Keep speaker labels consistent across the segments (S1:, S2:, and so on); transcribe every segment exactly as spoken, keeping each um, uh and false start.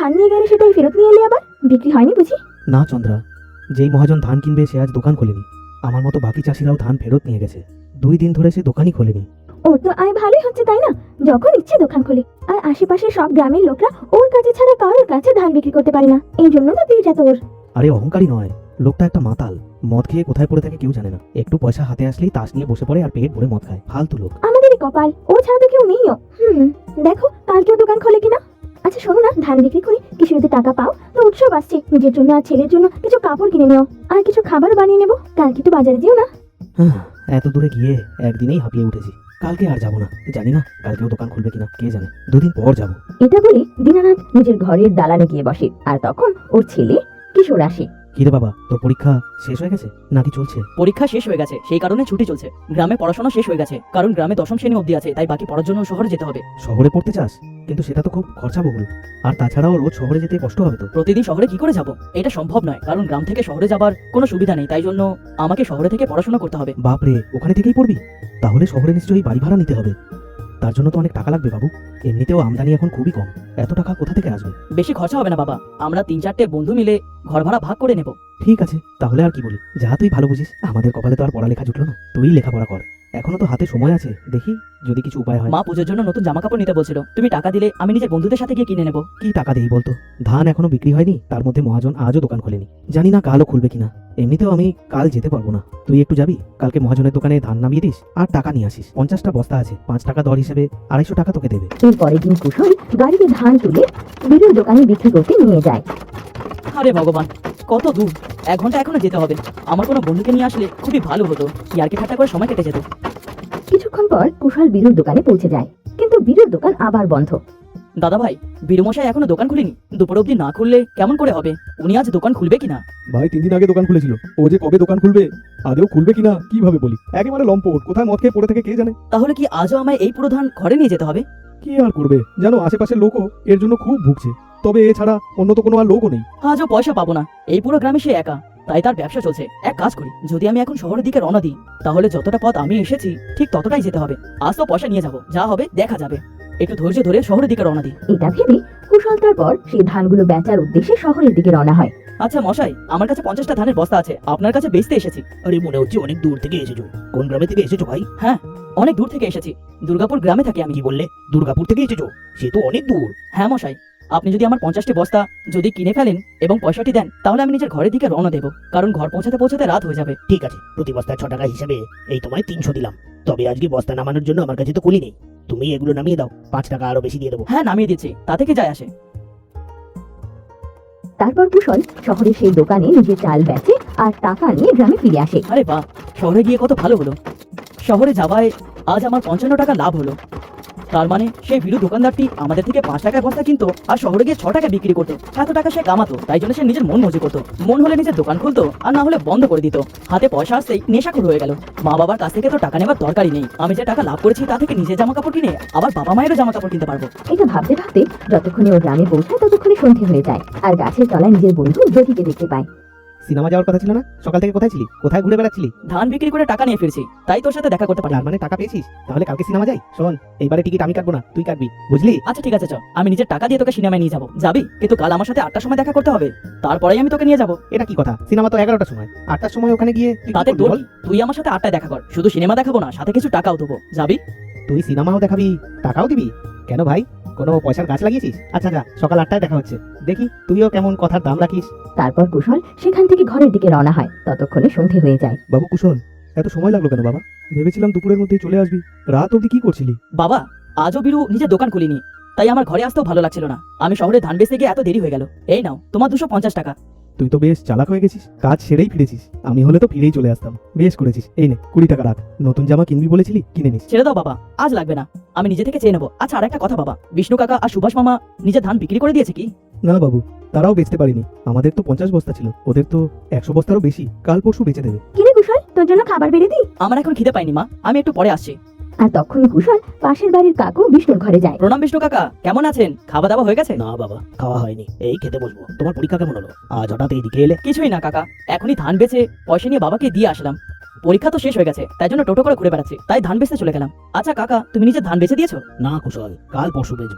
S1: ধান নিয়ে গেলে সেটাই ফেরত নিয়ে এলে আবার বিক্রি হয়নি বুঝি?
S2: না চন্দ্রা, যেই মহাজন ধান কিনবে সে আজ দোকান খোলেনি। আমার মতো বাকি চাষিরাও ধান ফেরত নিয়ে গেছে। দুই দিন ধরে সে দোকানই খোলেনি।
S1: ওর তো আয় ভালোই হচ্ছে তাই না? যখন ইচ্ছে দোকান খোলে। আর আশেপাশের সব গ্রামের লোকরা ওর কাছে ছাড়া কারোর কাছে ধান বিক্রি করতে পারে না। এই জন্য তো তেজ এত ওর।
S2: আরে অহংকারী নয়, লোকটা একটা মাতাল। মদ খেয়ে কোথায় পড়ে থাকে কেউ জানে না। একটু পয়সা হাতে আসলেই তাস নিয়ে বসে পড়ে আর পেট ভরে মদ খায়। ফালতু লোক।
S1: আমাদেরই কপাল, ও ছাড়া তো কেউ নেইও। হুম, দেখো কালকেও দোকান খোলে কিনা। আচ্ছা শোনো না, ধান বিক্রি করে কিছু যদি টাকা পাও তো উৎসব আসছে, নিজের জন্য আর ছেলের জন্য কিছু কাপড় কিনে নিও, আর কিছু খাবার বানিয়ে নেবো। কালকে তো বাজারে যেও না।
S2: হ্যাঁ, এত দূরে গিয়ে একদিনেই হাঁপিয়ে উঠেছি। কালকে আর যাবো না। জানি না কালকেও দোকান খুলবে কিনা, কে জানে। দুদিন পর যাবো।
S1: এটা বলে দীনানাথ নিজের ঘরের দালানে গিয়ে বসে। আর তখন ওর ছেলে কিশোর আসে।
S2: কিরে বাবা, তোর পরীক্ষা শেষ হয়ে গেছে নাকি চলছে?
S3: পরীক্ষা শেষ হয়ে গেছে, সেই কারণে ছুটি চলছে। গ্রামে পড়াশোনা শেষ হয়ে গেছে, কারণ গ্রামে দশম শ্রেণী অবধি আছে, তাই বাকি পড়ার জন্য শহরে যেতে হবে।
S2: শহরে পড়তে চাস? কিন্তু সেটা তো খুব খরচাবহুল। আর তাছাড়াও রোজ শহরে যেতে কষ্ট হবে তো।
S3: প্রতিদিন শহরে কি করে যাব? এটা সম্ভব নয়, কারণ গ্রাম থেকে শহরে যাবার কোনো সুবিধা নেই, তাই জন্য আমাকে শহরে থেকে পড়াশোনা করতে হবে।
S2: বাপরে, ওখানে থেকেই পড়বি? তাহলে শহরে নিশ্চয়ই বাড়ি ভাড়া নিতে হবে। তার জন্য তো অনেক টাকা লাগবে বাবু। এমনিতেও আমদানি এখন খুবই কম, এত টাকা কোথা থেকে আসবে?
S3: বেশি খরচা হবে না বাবা, আমরা তিন চারটে বন্ধু মিলে ঘর ভাড়া ভাগ করে নেব।
S2: ঠিক আছে, তাহলে আর কি বলি। যা তুই ভালো বুঝিস। আমাদের কপালে তো আর পড়ালেখা জুটলো না, তুই লেখাপড়া কর। এখনো তো হাতে সময় আছে, দেখি যদি কিছু উপায় হয়।
S3: মা পুজোর জন্য নতুন জামা কাপড় নিতে বলছিল, তুমি টাকা দিলে আমি নিজের বন্ধুদের সাথে গিয়ে কিনে নেব।
S2: কি টাকা দেই বলতো? ধান এখনো বিক্রি হয়নি, তার মধ্যে মহাজন আজও দোকান খোলেনি। জানি না কালও খুলবে কিনা। এমনিতেও আমি কাল যেতে পারবো না। তুই একটু যাবি, কালকে মহাজনের দোকানে ধান নামিয়ে দিস আর টাকা নিয়ে আসিস। পঞ্চাশটা বস্তা আছে, পাঁচ টাকা দর হিসেবে আড়াইশো টাকা তোকে দেবে।
S1: এর পরের দিন কুশল গাড়িতে ধান তুলে বীরুর দোকানে বিক্রি করতে নিয়ে যায়।
S3: আরে ভগবান, কত দূর! এক ঘন্টা এখনো যেতে হবে। আমার কোনো বন্ধুকে নিয়ে আসলে খুবই ভালো হতো, ইয়ার্কি ঠাট্টা করে সময় কেটে যেত।
S1: কিছুক্ষণ পর কুশল বীরুর দোকানে পৌঁছে যায়, কিন্তু বীরুর দোকান আবার বন্ধ।
S3: দাদা ভাই, বীরমশাই এখনো দোকান খুলেনি। দুপুর অবধি না খুললে কেমন করে হবে? উনি আজ দোকান খুলবে কিনা?
S4: ভাই তিন দিন আগে দোকান খুলেছিল, ও যে কবে দোকান খুলবে, আদেও খুলবে কিনা কিভাবে বলি। একেবারে লম্পট, কোথায় মদ খেয়ে পড়ে থেকে কে জানে।
S3: তাহলে কি আজও আমায় এই পুরো ধান ঘরে নিয়ে যেতে হবে?
S4: কি আর করবে জানো, আশেপাশের লোকও এর জন্য খুব ভুগছে। তবে এছাড়া অন্য তো কোনো আর লোকও নেই।
S3: আজও পয়সা পাবো না, এই পুরো গ্রামে সে একা, তাই তার ব্যবসা চলছে। এক কাজ করি, যদি আমি এখন শহরের দিকে রওনা দিই, তাহলে যতটা পথ আমি এসেছি ঠিক ততটাই যেতে হবে। আজ তো পয়সা নিয়ে যাবো, যা হবে দেখা যাবে। একটু ধৈর্য ধরে শহরের দিকে রওনা দিই।
S1: এটা ভেবে কুশল তারপর সেই ধানগুলো বেচার উদ্দেশ্যে শহরের দিকে রওনা হয়।
S3: আচ্ছা মশাই, আমার কাছে পঞ্চাশটা ধানের বস্তা আছে, আপনার কাছে বেচতে এসেছি।
S2: আরে মনে হচ্ছে অনেক দূর থেকে এসেছো। কোন গ্রামে থেকে এসেছো ভাই?
S3: হ্যাঁ, অনেক দূর থেকে এসেছি, দুর্গাপুর গ্রামে থাকি আমি।
S2: কি বললে? দুর্গাপুর থেকে এসেছো? সে তো অনেক দূর।
S3: হ্যাঁ মশাই, আপনি যদি আমার পঞ্চাশটি বস্তা যদি কিনে ফেলেন এবং পয়সাটি দেন, তাহলে আমি নিজের ঘরের দিকে রওনা দেবো, কারণ ঘর পৌঁছাতে পৌঁছাতে রাত হয়ে যাবে।
S2: ঠিক আছে, প্রতি বস্তায় ছ টাকা হিসেবে এই তোমায় তিনশো দিলাম। তবে আজকে বস্তা নামানোর জন্য আমার কাছে তো কুলি নেই। তুমি এগুলো নামিয়ে দাও, পাঁচ টাকা আরো বেশি দিয়ে দেবো।
S3: হ্যাঁ নামিয়ে দিচ্ছি, তাতে কি যায় আসে।
S1: তারপর কুশল শহরে সেই দোকানে নিজের চাল বেচে আর টাকা নিয়ে গ্রামে ফিরে আসে।
S3: আরে বাহ, শহরে গিয়ে কত ভালো হলো। শহরে যাওয়ায় আজ আমার পঞ্চান্ন টাকা লাভ হলো। তার মানে সেই ভিড়ু দোকানদারটি আমাদের থেকে পাঁচ টাকায় বস্তা কিনতো আর শহরে গিয়ে ছ টাকা বিক্রি করতো। এত টাকা সে কামাতো, তাই জন্য সে নিজের মন মজুরি করতো। মন হলে নিজের দোকান খুলতো, আর না হলে বন্ধ করে দিত। হাতে পয়সা আসতেই নেশাখোর হয়ে গেল। মা বাবার কাছ থেকে তো টাকা নেবার দরকারই নেই। আমি যে টাকা লাভ করেছি তা থেকে নিজের জামা কাপড় কিনে আবার বাবা মায়েরও জামা কাপড় কিনতে পারবো।
S1: এটা ভাবতে ভাবতে যতক্ষণে ও গ্রামে পৌঁছায় ততক্ষণে সন্ধে হয়ে যায়, আর গাছের তলায় নিজের বন্ধু জ্যোতিকে দেখতে পায়।
S2: সিনেমা যাওয়ার কথা ছিল না? সকাল থেকে কোথায় ছিলি? কোথায় ঘুরে বেড়াচ্ছিলি?
S3: ধান বিক্রি করে টাকা নিয়ে ফিরছি, তাই তোর সাথে দেখা করতে পারি।
S2: তার মানে টাকা পেয়েছিস? তাহলে কালকে সিনেমা যাই। শোন, এইবারে টিকিট আমি কাটবো না, তুই কাটবি, বুঝলি?
S3: আচ্ছা ঠিক আছে, চ, আমি নিজের টাকা দিয়ে তোকে সিনেমায় নিয়ে যাবো। যাবি? কিন্তু কাল আমার সাথে আটটার সময় দেখা করতে হবে, তারপরেই আমি তোকে নিয়ে যাবো।
S2: এটা কি কথা? সিনেমা তো এগারোটার সময়, আটটার সময় ওখানে গিয়ে তুই কি
S3: তাতে
S2: করবি
S3: তোর
S2: বল?
S3: কি? তুই আমার সাথে আটটায় দেখা কর, শুধু সিনেমা দেখাবো না, সাথে কিছু টাকাও দেবো। যাবি?
S2: তুই সিনেমাও দেখাবি, টাকাও দিবি? কেন ভাই, কোনো পয়সার গাছ লাগিয়েছিস? আচ্ছা যা, সকাল আটটায় দেখা হচ্ছে। দেখি তুইও কেমন কথার দাম রাখিস।
S1: তারপর কুশল সেখান থেকে ঘরের দিকে রওনা হয়। ততক্ষণে সন্ধে হয়ে যায়।
S4: বাবু কুশল, এত সময় লাগলো কেন বাবা? ভেবেছিলাম দুপুরের মধ্যেই চলে আসবি। রাত অবধি কি করছিলি?
S3: বাবা, আজও বীরু নিজের দোকান খুলিনি, তাই আমার ঘরে আসতেও ভালো লাগছিল না। আমি শহরে ধান বেচতে গিয়ে এত দেরি হয়ে গেল। এই নাও তোমার দুশো পঞ্চাশ টাকা।
S4: তুই তো বেশ চালাক হয়ে গেছিস, কাজ সেরেই ফিরেছিস। আমি হলে তো ফিরেই চলে আসতাম। বেশ করেছিস, এই নে কুড়ি টাকা রাখ। নতুন জামা কিনবি বলেছিলি, কিনে নিস।
S3: ছেড়ে দাও বাবা, আজ লাগবে না, আমি নিজে থেকে চেয়ে নেবো। আচ্ছা আর একটা কথা বাবা, বিষ্ণু কাকা আর সুভাষ মামা নিজের ধান বিক্রি করে দিয়েছে কি?
S4: না বাবু, তারাও বেচতে পারিনি। আমাদের তো পঞ্চাশ বস্তা ছিল, ওদের তো একশো বস্তারও বেশি। কাল পরশু বেচে দেবে।
S1: কিরে কুশল, তোর জন্য খাবার বেড়ে দিই?
S3: আমার এখন খিদে পাইনি মা, আমি একটু পরে আসছি।
S1: আর তখন কুশল পাশের বাড়ির কাকু বিষ্ণুর ঘরে যায়।
S3: প্রণাম বিষ্ণু কাকা, কেমন আছেন? খাওয়া দাওয়া হয়ে গেছে?
S2: না বাবা, খাওয়া হয়নি, এই খেতে বসবো। তোমার পরীক্ষা কেমন হলো? আজ হঠাৎ এইদিকে এলে?
S3: কিছুই না কাকা, এখনই ধান বেচে পয়সা নিয়ে বাবাকে দিয়ে আসলাম। পরীক্ষা তো শেষ হয়ে গেছে, তাই জন্য টোটো করে ঘুরে বেড়াচ্ছি, তাই ধান বেচতে চলে গেলাম। আচ্ছা কাকা, তুমি নিজে ধান বেচে দিয়েছো?
S2: না কুশল, কাল পরশু বেচবো।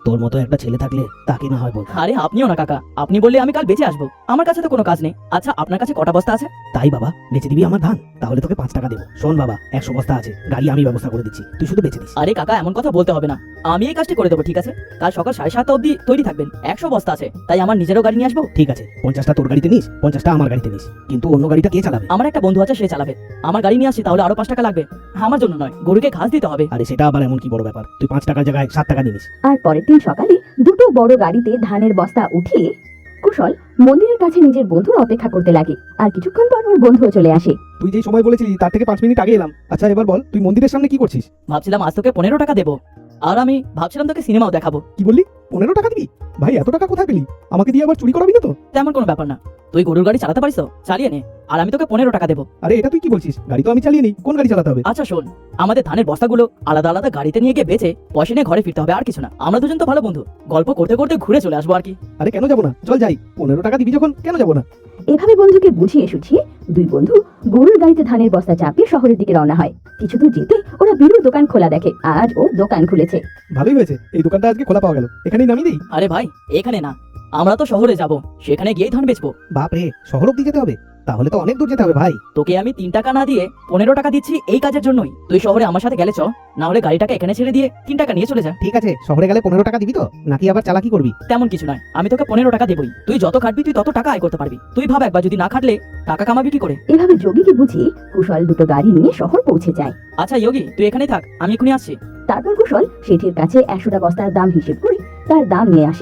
S2: তোর মতো একটা ছেলে থাকলে তাকে না হয় বলতাম।
S3: আরে আপনিও না কাকা, আপনি বললে আমি কাল বেঁচে আসবো, আমার কাছে তো কোনো কাজ নেই। আচ্ছা আপনার কাছে কটা বস্তা আছে?
S2: তাই বাবা, বেচে দিবি আমার ধান? তাহলে তোকে পাঁচ টাকা দেবো। শোন বাবা, একশো বস্তা আছে, গাড়ি আমি ব্যবস্থা করে দিচ্ছি, তুই শুধু বেচে দিস।
S3: আরে কাকা এমন কথা বলতে হবে না, আমি এই কাজটি করে দেবো, ঠিক আছে? কাল সকাল সাড়ে সাতটা অবধি তৈরি থাকবেন। একশো বস্তা আছে, তাই আমার নিজেরও গাড়ি নিয়ে আসবো।
S2: ঠিক আছে, পঞ্চাশটা তোর গাড়িতে নিস, পঞ্চাশটা আমার গাড়িতে নিস, কিন্তু অন্য গাড়িটা কে চালাবে?
S3: আমার একটা বন্ধু আছে, সে চালাবে। আমার গাড়ি নিয়ে আসছি, তাহলে আরো পাঁচ টাকা লাগবে। আমার জন্য নয়, গরুকে ঘাস দিতে হবে।
S2: আরে সেটা আবার এমন কি বড় ব্যাপার? তুই পাঁচ টাকার জায়গায় সাত টাকা নিয়ে নিস।
S1: আর পরের দিন সকালে দুটো বড় গাড়িতে ধানের বস্তা উঠিয়ে কুশল মন্দিরের কাছে নিজের বন্ধুর অপেক্ষা করতে লাগে। আর কিছুক্ষণ পর ওর বন্ধুও চলে আসে।
S4: তুই যেই সময় বলেছিলি তার থেকে পাঁচ মিনিট আগে এলাম। আচ্ছা এবার বল, তুই মন্দিরের সামনে কি করছিস?
S3: ভাবছিলাম আজ তোকে পনেরো টাকা দেবো, আর আমি ভাবছিলাম তোকে সিনেমাও দেখাবো।
S4: কি বললি? পনেরো টাকা দিবি? ভাই এত টাকা কোথায় পেলি? আমাকে দিয়ে আবার চুরি করাবি না তো?
S3: তেমন কোনো ব্যাপার না, তুই গরুর গাড়ি চালাতে পারিস তো, চালিয়ে নে, আর আমি তোকে পনেরো টাকা দেবো।
S4: আরে এটা তুই কি বলছিস? গাড়ি তো আমি চালিয়ে নিই, কোন গাড়ি চালাতে হবে?
S3: আচ্ছা শোন, আমাদের ধানের বস্তাগুলো আলাদা আলাদা গাড়িতে নিয়ে গিয়ে বেচে পয়সা নিয়ে ঘরে ফিরতে হবে, আর কিছু না। আমরা দুজন তো ভালো বন্ধু, গল্প করতে করতে ঘুরে চলে আসবো আর কি।
S4: আরে কেন যাবো না? চল যাই, পনেরো টাকা দিবি যখন কেন যাবো না?
S1: এভাবে বন্ধুকে বুঝিয়ে সুঝিয়ে দুই বন্ধু গরুর গাড়িতে ধানের বস্তা চাপিয়ে শহরের দিকে রওনা হয়। কিছু দূর যেতে ওরা বিরুর দোকান খোলা দেখে। আজ ও দোকান খুলেছে।
S4: ভালোই হয়েছে, এই দোকানটা আজকে খোলা পাওয়া গেল, এখানেই নামিয়ে দিই।
S3: আরে ভাই এখানে না, আমরা তো শহরে যাব, সেখানে গিয়ে ধান বেচবো।
S2: বাপ রে, শহর অব্দি যেতে হবে? তাহলে তো অনেক দূর যেতে হবে ভাই।
S3: তোকে আমি তিন টাকা না দিয়ে পনেরো টাকা দিচ্ছি এই কাজের জন্যই। তুই শহরে আমার সাথে গেলে চ, না হলে গাড়িটাকে এখানে ছেড়ে দিয়ে তিন টাকা নিয়ে চলে যা।
S2: ঠিক আছে, শহরে গেলে পনেরো টাকা দিবি তো, নাকি আবার চালাকি করবি?
S3: তেমন কিছু নয়, আমি তোকে পনেরো টাকা দেবই। তুই যত খাটবি তুই তত টাকা আয় করতে পারবি। তুই ভাব একবার, যদি না খাটলে টাকা কামাবি কি করে?
S1: এভাবে যোগীকে বুঝিয়ে কুশল দুটো গাড়ি নিয়ে শহর পৌঁছে যায়।
S3: আচ্ছা যোগী, তুই এখানেই থাক, আমি এখনই আসছি।
S1: তারপর কুশল শেঠের কাছে একশোটা বস্তার দাম হিসেব করে তার দাম নিয়ে আসে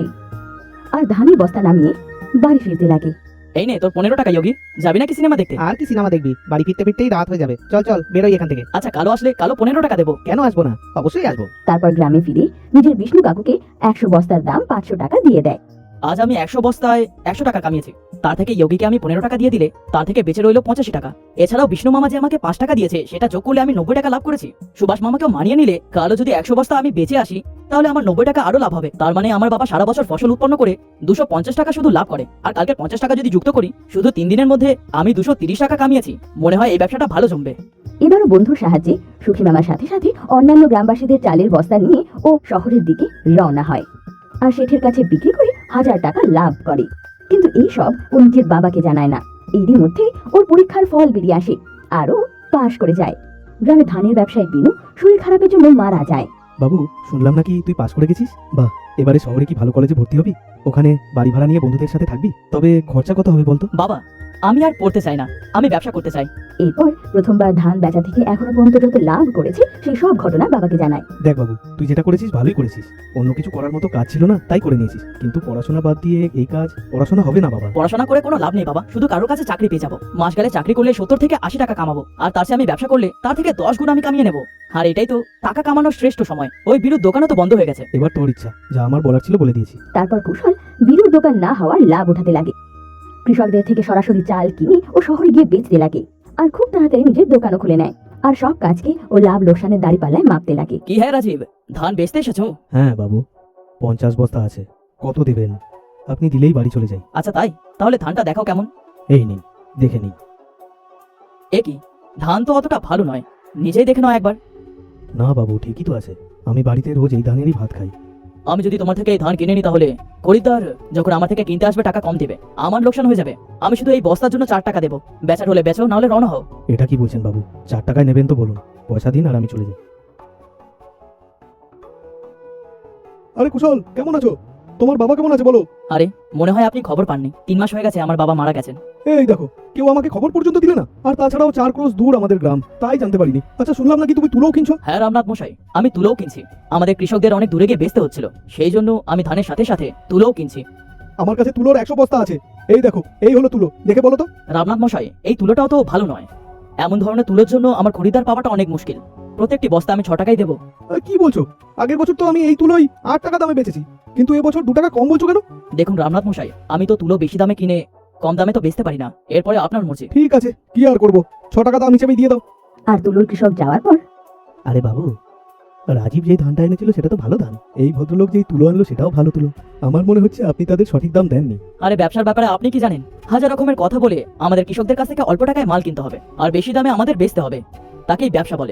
S1: আর ধানের বস্তা নামিয়ে বাড়ি ফিরতে লাগে।
S3: এই নে তোর পনেরো টাকা যোগী, যাবি নাকি সিনেমা দেখতে?
S2: আর কি সিনেমা দেখবি? বাড়ি ফিরতে ফিরতেই রাত হয়ে যাবে। চল চল, বেরোই এখান থেকে।
S3: আচ্ছা কালো আসলে কালো পনেরো টাকা দেবো।
S2: কেন আসবো না? অবশ্যই আসবো।
S1: তারপর গ্রামে ফিরে নিজের বিষ্ণু কাকুকে একশো বস্তার দাম পাঁচশো টাকা দিয়ে দেয়।
S3: আজ আমি একশো বস্তায় একশো টাকা কামিয়েছি, তার থেকে যোগীকে আমি পনেরো টাকা দিয়ে দিলে তার থেকে বেঁচে রইলো পঁচাশি টাকা। এছাড়াও বিষ্ণু মামা যে আমাকে পাঁচ টাকা দিয়েছে, সেটা যোগ করলে আমি নব্বই টাকা লাভ করেছি। সুভাষ মামাকেও মানিয়ে নিলে কালো যদি একশো বস্তা আমি বেঁচে আসি, তাহলে আমার নব্বই টাকা আরো লাভ হবে। তার মানে আমার বাবা সারা বছর ফসল উৎপন্ন করে দুশো পঞ্চাশ টাকা শুধু লাভ করে। আর কালকে পঞ্চাশ টাকা যদি যুক্ত করি, শুধু তিন দিনের মধ্যে আমি দুশো তিরিশ টাকা কামিয়েছি। মনে হয় এই ব্যবসাটা ভালো জমবে।
S1: এবারও বন্ধুর সাহায্যে সুখী মামার সাথে সাথে অন্যান্য গ্রামবাসীদের চালের বস্তা নিয়ে ও শহরের দিকে রওনা হয় আর শেঠের কাছে বিক্রি করে হাজার টাকা লাভ করে। কিন্তু এই সব ও নিজের বাবাকে জানায় না। এরই মধ্যে ওর পরীক্ষার ফল বেরিয়ে আসে আর ও পাশ করে যায়। গ্রামে ধানের ব্যবসায়ী বিনু শরীর খারাপের জন্য মারা যায়।
S4: বাবু, শুনলাম নাকি তুই পাস করে গেছিস? বাহ, এবারে শহরে কি ভালো কলেজে ভর্তি হবি? ওখানে বাড়ি ভাড়া নিয়ে বন্ধুদের সাথে থাকবি? তবে খরচা কত হবে বলতো?
S3: বাবা আমি আর পড়তে চাই না, আমি ব্যবসা করতে চাই।
S1: এরপর প্রথমবার ধান বেচা থেকে এখনো পর্যন্ত যত লাভ করেছে সেই সব ঘটনা বাবাকে জানায়।
S4: দেখ বাবু, তুই যেটা করেছিস ভালোই করেছিস। অন্য কিছু করার মতো কাজ ছিল না তাই করে নিয়েছিস, কিন্তু পড়াশোনা বাদ দিয়ে এই কাজ, পড়াশোনা হবে না বাবা।
S3: পড়াশোনা করে কোনো লাভ নেই বাবা, শুধু কারোর কাছে চাকরি পেয়ে যাবো। মাস গেলে চাকরি করলে সত্তর থেকে আশি টাকা কামাবো, আর তার চেয়ে আমি ব্যবসা করলে তার থেকে দশ গুণ আমি কামিয়ে নেবো। আর এটাই তো টাকা কামানোর শ্রেষ্ঠ সময়। ওই বিরুদ্ধ দোকানও তো বন্ধ হয়ে গেছে।
S4: এবার তোর ইচ্ছা, যা আমার বলার ছিল বলে দিয়েছি।
S1: তারপর কুশল বিরুর দোকান না হওয়ার লাভ উঠাতে লাগে। কৃষকদের থেকে সরাসরি চাল কিনে ও শহরে গিয়ে বেচতে লাগে আর খুব তাড়াতাড়ি নিজের দোকানও খুলে নেয় আর সব কাজকে ও লাভ লোকসানের দাঁড়িপাল্লায় মাপতে লাগে।
S3: কি হ্যাঁ রাজীব, ধান বেচতে এসেছো?
S4: হ্যাঁ বাবু, পঞ্চাশ বস্তা আছে। কত দেবেন? আপনি দিলেই বাড়ি চলে যাই।
S3: আচ্ছা তাই, তাহলে ধানটা দেখাও কেমন।
S4: এই নিন, দেখে নিন।
S3: এ কি, ধান তো অতটা ভালো নয়, নিজেই দেখে নাও একবার।
S4: না বাবু, ঠিকই তো আছে। আমি বাড়িতে রোজ এই ধানেরই ভাত খাই।
S3: আমি যদি তোমার থেকে এই ধান কিনে নিই, তাহলে খরিদ্দার যখন আমার থেকে কিনতে আসবে টাকা কম দেবে, আমার লোকসান হয়ে যাবে। আমি শুধু এই বস্তার জন্য চার টাকা দেবো। বেচার হলে বেচো, না হলে রওনা হও।
S4: এটা কি বলছেন বাবু? চার টাকায় নেবেন তো বলুন, পয়সা দিন আর আমি চলে যাই। আরে কুশল, কেমন আছো? তোমার বাবা কেমন আছে বলো?
S3: আরে মনে হয় আপনি খবর পাননি, তিন মাস হয়ে গেছে আমার বাবা মারা গেছেন।
S4: এই দেখো, কেউ আমাকে খবর পর্যন্ত দিলে না। আর তাছাড়াও চার ক্রোশ দূর আমাদের গ্রাম, তাই জানতে পারিনি। আচ্ছা, শুনলাম নাকি তুমি তুলোও কিনছো?
S3: হ্যাঁ রামনাথ মশাই, আমি তুলোও কিনছি। আমাদের কৃষকদের অনেক দূরে গিয়ে বেচতে হচ্ছিল, সেই জন্য আমি ধানের সাথে সাথে তুলোও কিনছি।
S4: আমার কাছে তুলোর একশো বস্তা আছে। এই দেখো, এই হলো তুলো, দেখে বলো তো।
S3: রামনাথ মশাই, এই তুলোটাও তো ভালো নয়। এমন ধরনের তুলোর জন্য আমার খরিদ্দার পাওয়াটা অনেক মুশকিল। প্রত্যেকটি বস্তা আমি ছ টাকাই দেবো।
S4: আরে কি বলছো? আগের বছর তো আমি এই তুলোই আট টাকা দামে বেচেছি, কিন্তু এবছর দু টাকা কম বলছো কেন?
S3: দেখুন রামনাথ মশাই, আমি তো তুলো বেশি দামে কিনে কম দামে তো বেচতে পারি না। এরপরে আপনার মর্জি।
S4: ঠিক আছে, কি আর করবো, ছ টাকা দাম হিসেবে দিয়ে দাও।
S1: আর তুলোর কৃষক যাওয়ার পর
S2: আরে বাবু, রাজীব যেই ধানটা এনেছিল সেটা তো ভালো ধান।
S4: এই ভদ্রলোক যেই তুলো আনলো সেটাও ভালো তুলো। আমার মনে হচ্ছে আপনি তাদের সঠিক দাম দেননি।
S3: আরে ব্যবসার ব্যাপারে আপনি কি জানেন? হাজার রকমের কথা বলে আমাদের কৃষকদের কাছ থেকে অল্প টাকায় মাল কিনতে হবে আর বেশি দামে আমাদের বেচতে হবে, তাকেই ব্যবসা বলে।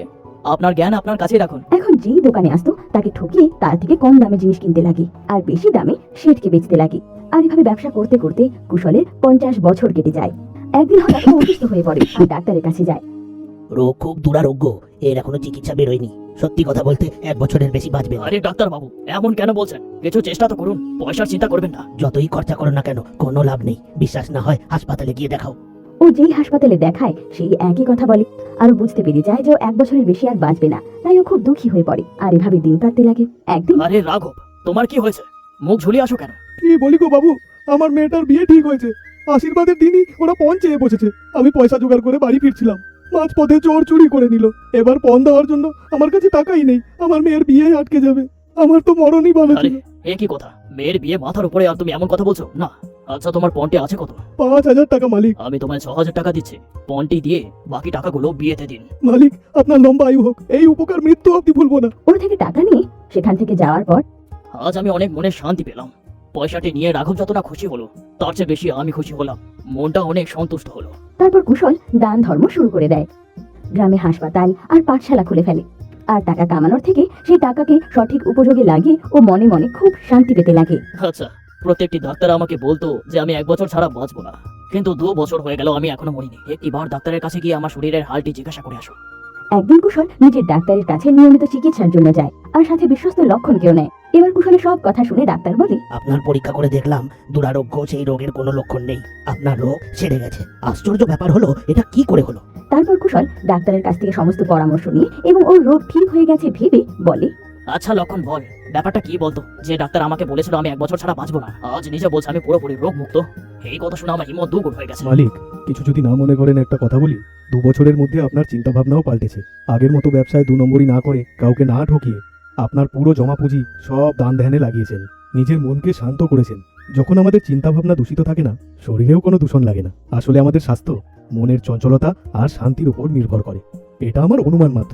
S3: আপনার জ্ঞান আপনার কাছেই রাখুন।
S1: এখন যেই দোকানে আসতো তাকে ঠকিয়ে তার থেকে কম দামে জিনিস কিনতে লাগে আর বেশি দামে শেঠকে বেচতে লাগে। আর এভাবে ব্যবসা করতে করতে কুশলের পঞ্চাশ বছর কেটে যায়। একদিন হঠাৎ ও অসুস্থ হয়ে পড়ে আর ডাক্তারের কাছে যায়।
S5: রোগ খুব দুরারোগ্য, এর এখনো চিকিৎসা বেরোয়নি। সত্যি কথা বলতে এক বছরের বেশি বাঁচবে না।
S3: আরে ডাক্তার বাবু, এমন কেন বলছেন? কিছু চেষ্টা তো করুন, পয়সার চিন্তা করবেন না।
S5: যতই খরচা করো না কেন কোনো লাভ নেই। বিশ্বাস না হয় হাসপাতালে গিয়ে দেখাও।
S1: ও যেই হাসপাতালে দেখায় সেই একই কথা বলে আর ও বুঝতে পেরে যায় যে ও এক বছরের বেশি আর বাঁচবে না। তাই ও খুব দুঃখী হয়ে পড়ে আর এভাবে দিন কাটতে লাগে। একদিন
S3: আরে রাঘব, তোমার কি হয়েছে? মুখ ঝুলিয়ে আসো কেন?
S4: কি বলি গো বাবু, আমার মেয়েটার বিয়ে ঠিক হয়েছে। আশীর্বাদের দিনই ওরা পণ চেয়ে বসেছে। আমি পয়সা জোগাড় করে বাড়ি ফিরছিলাম, মাঝ পথে চোর চুরি করে নিল। এবার পণ দেওয়ার জন্য আমার কাছে টাকাই নেই। আমার মেয়ের বিয়ে আটকে যাবে। আমার তো মরণই ভালো
S3: আরে
S4: ছিল।
S3: এ কি কথা? মেয়ের বিয়ে মাথার উপরে আর তুমি এমন কথা বলছো? না। আচ্ছা, তোমার পণটি আছে কত?
S4: পাঁচ হাজার টাকা মালিক।
S3: আমি তোমায় ছ হাজার টাকা দিচ্ছি, পণটি দিয়ে বাকি টাকাগুলো বিয়েতে দিন।
S4: মালিক, আপনার লম্বা আয়ু হোক। এই উপকার মৃত্যু অব্দি ভুলবো না।
S1: ওর থেকে টাকা নিয়ে সেখান থেকে যাওয়ার পর
S3: আজ আমি অনেক মনে শান্তি পেলাম। পয়সাটি নিয়ে রাঘব যত না খুশি হলো, তার চেয়ে বেশি আমি খুশি হলাম। মনটা অনেক সন্তুষ্ট হলো।
S1: তারপর কুশল দান ধর্ম শুরু করে দেয়। গ্রামে হাসপাতাল আর পাঠশালা খুলে ফেলে আর টাকা কামানোর থেকে সেই টাকাকে সঠিক উপযোগে লাগিয়ে ও মনে মনে খুব শান্তি পেতে লাগে।
S3: আচ্ছা, প্রত্যেকটি ডাক্তার আমাকে বলতো যে আমি এক বছর ছাড়া বাঁচবো না, কিন্তু দু বছর হয়ে গেল আমি এখনো মরিনি। একটিবার ডাক্তারের কাছে গিয়ে আমার শরীরের হালটি জিজ্ঞাসা করে আসো।
S1: একদিন কুশল নিজের ডাক্তারের কাছে নিয়মিত চিকিৎসার জন্য যায় আর সাথে বিশ্বস্ত লক্ষণকেও নেয়। এবার কুশলের সব কথা শুনে ডাক্তার বলে,
S5: আপনার পরীক্ষা করে দেখলাম দুরারোগ্য সেই রোগের কোনো লক্ষণ নেই। আপনার রোগ সেরে গেছে। আশ্চর্য ব্যাপার হলো, এটা কি করে হলো?
S1: তারপর কুশল ডাক্তারের কাছ থেকে সমস্ত পরামর্শ নিয়ে এবং ওর রোগ ঠিক হয়ে গেছে ভেবে বলে,
S3: আচ্ছা লক্ষণ বল, ব্যাপারটা কি বলতো? যে ডাক্তার আমাকে বলেছিল আমি এক বছর ছাড়া বাঁচবো না, আজ নিজে বলছে আমি পুরোপুরি রোগ মুক্ত। এই কথা শুনে আমার হিম্মত দুগুণ হয়ে গেছে।
S4: মালিক, কিছু যদি না মনে করেন একটা কথা বলি। দু বছরের মধ্যে আপনার চিন্তা ভাবনাও পাল্টেছে। আগের মতো ব্যবসায় দু নম্বরই না করে, কাউকে না ঠকিয়ে আপনার পুরো জমা পুঁজি সব দান ধ্যানে লাগিয়েছেন। নিজের মনকে শান্ত করেছেন। যখন আমাদের চিন্তা ভাবনা দূষিত থাকে না, শরীরেও কোনো দূষণ লাগে না। আসলে আমাদের স্বাস্থ্য মনের চঞ্চলতা আর শান্তির উপর নির্ভর করে। এটা আমার অনুমান মাত্র।